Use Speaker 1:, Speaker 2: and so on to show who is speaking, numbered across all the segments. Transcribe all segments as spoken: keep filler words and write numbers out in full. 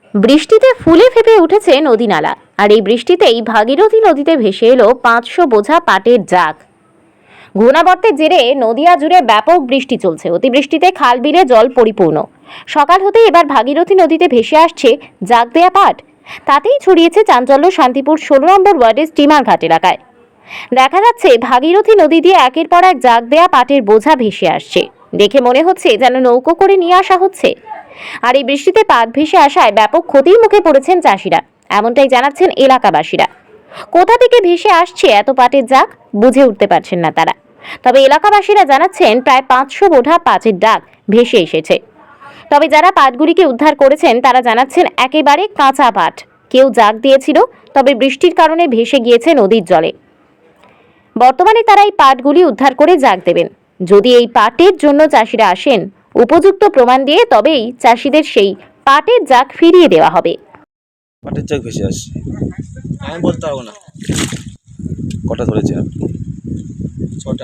Speaker 1: বৃষ্টিতে ফুলে ফেঁপে উঠেছে নদী নালা, আর এই বৃষ্টিতেই ভাগীরথী নদীতে ভেসে এলো পাঁচশো বোঝা পাটের জাগ। ঘূর্ণাবর্তের জেরে নদিয়া জুড়ে ব্যাপক বৃষ্টি চলছে। অতিবৃষ্টিতে খাল বিলে জল পরিপূর্ণ। সকাল হতেই এবার ভাগীরথী নদীতে ভেসে আসছে জাগ দেয়া পাট। তাতেই ছড়িয়েছে চাঞ্চল্য শান্তিপুর ষোলো নম্বর ওয়ার্ডের স্টিমার ঘাট এলাকায়। দেখা যাচ্ছে ভাগীরথী নদী দিয়ে একের পর এক জাগ দেয়া পাটের বোঝা ভেসে আসছে। দেখে মনে হচ্ছে যেন নৌকো করে নিয়ে আসা হচ্ছে। আর এই বৃষ্টিতে পাট ভেসে আসায় ব্যাপক ক্ষতির মুখে পড়েছেন চাষিরা, এমনটাই জানাচ্ছেন এলাকাবাসীরা। কোথা থেকে ভেসে আসছে এত পাটের জাগ বুঝে উঠতে পারছেন না তারা। তবে এলাকাবাসীরা জানাচ্ছেন প্রায় পাঁচশো বোঝা পাটের ডাক ভেসে এসেছে। তবে যারা পাটগুলিকে উদ্ধার করেছেন তারা জানাচ্ছেন একেবারে কাঁচা পাট। কেউ জাগ দিয়েছিল, তবে বৃষ্টির কারণে ভেসে গিয়েছে নদীর জলে। বর্তমানে তারা এই পাটগুলি উদ্ধার করে জাগ দেবেন। যদি এই পাটের জন্য চাষিরা আসেন উপযুক্ত প্রমাণ দিয়ে, তবেই চাষিদের সেই পাটের জাগ ফিরিয়ে দেওয়া হবে।
Speaker 2: পাটের জাগ ভেসে আসছে,
Speaker 3: আমি বলতে পারবো না।
Speaker 2: কটা ধরেছেন আপনি?
Speaker 3: ছটা।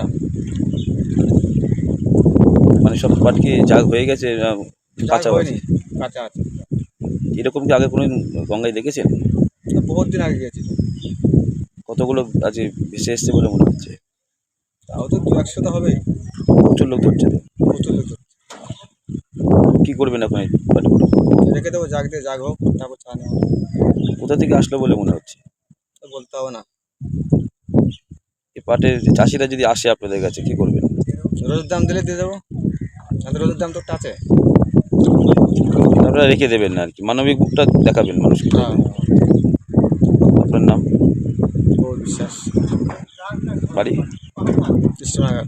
Speaker 2: মানে সব পাট কি জাগ হয়ে গেছে, না কাঁচা
Speaker 3: হয়নি,
Speaker 2: আছে?
Speaker 3: কাঁচা আছে।
Speaker 2: এরকম কি আগে কোনো গঙ্গায় দেখেছেন?
Speaker 3: বহুত দিন আগে গেছিল।
Speaker 2: কতগুলো আজ ভেসে এসছে বলে মনে হচ্ছে?
Speaker 3: তাও তো দু একশো তো হবেই।
Speaker 2: প্রচুর লোক ধরছে তো।
Speaker 3: প্রচুর লোক ধরছে।
Speaker 2: কি করবেন এখন এই পাটগুলো?
Speaker 3: রেখে দেবো, জাগ দিয়ে জাগ হোক, তারপর চা নেওয়া।
Speaker 2: কোথা থেকে আসলো বলে মনে হচ্ছে?
Speaker 3: তো বলতে হবে না।
Speaker 2: এই পাটের চাষিরা যদি আসে আপনাদের কাছে কি করবেন?
Speaker 3: রোদের দাম দিলে দিয়ে দেবো। তাদের রোদের দাম তো একটা আছে।
Speaker 2: আপনারা রেখে দেবেন না আর কি, মানবিক বুকটা দেখাবেন মানুষকে।
Speaker 3: হ্যাঁ।
Speaker 2: আপনার নাম?
Speaker 3: বহু বিশ্বাস।
Speaker 2: বাড়ি?
Speaker 3: কৃষ্ণনগর।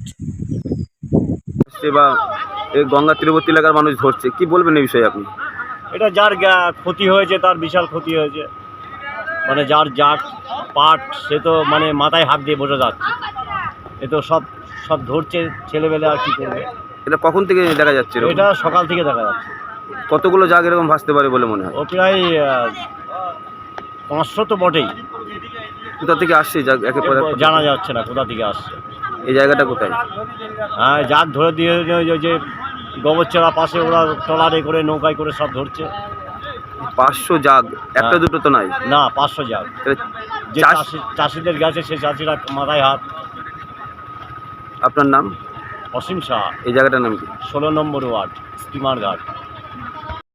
Speaker 2: বা এই গঙ্গা তীরবর্তী এলাকার মানুষ ধরছে, কি বলবেন এই বিষয়ে আপনি?
Speaker 4: এটা যার গা- ক্ষতি হয়েছে তার বিশাল ক্ষতি হয়েছে। মানে যার যার পাট সে তো মানে মাথায় হাত দিয়ে বসে যাচ্ছে। এ তো সব সব ধরছে ছেলেবেলে, আর কি করবে।
Speaker 2: এটা কখন থেকে দেখা যাচ্ছে এরকম?
Speaker 4: এটা সকাল থেকে দেখা যাচ্ছে।
Speaker 2: কতগুলো জাগ এরকম ভাসতে পারে বলে মনে হয়?
Speaker 4: ও প্রায় আহ, পাঁচশো তো বটেই।
Speaker 2: কোথা থেকে আসছে জাগ একের পর এক?
Speaker 4: জানা যাচ্ছে না কোথা থেকে আসছে।
Speaker 2: এই জায়গাটা কোথায়?
Speaker 4: হ্যাঁ, যার ধরে দিয়ে ওই যে গোবরচড়া পাশে ওরা ট্রলারে করে নৌকায় করে সব ধরছে।
Speaker 2: পাঁচশো জাগ, একটা
Speaker 4: হ্যাঁ।
Speaker 2: দুটো তো নাই।
Speaker 4: না, পাঁচশো যাক।
Speaker 2: তাহলে
Speaker 4: যে
Speaker 2: চাষ-
Speaker 4: চাষি চাষিদের গেছে সে চাষিরা মাথায় হাত।
Speaker 2: আপনার নাম?
Speaker 4: অসীম শাহ,
Speaker 2: এই জায়গাটার নাম কি?
Speaker 4: ষোলো নম্বর ওয়ার্ড, স্টিমার ঘাট।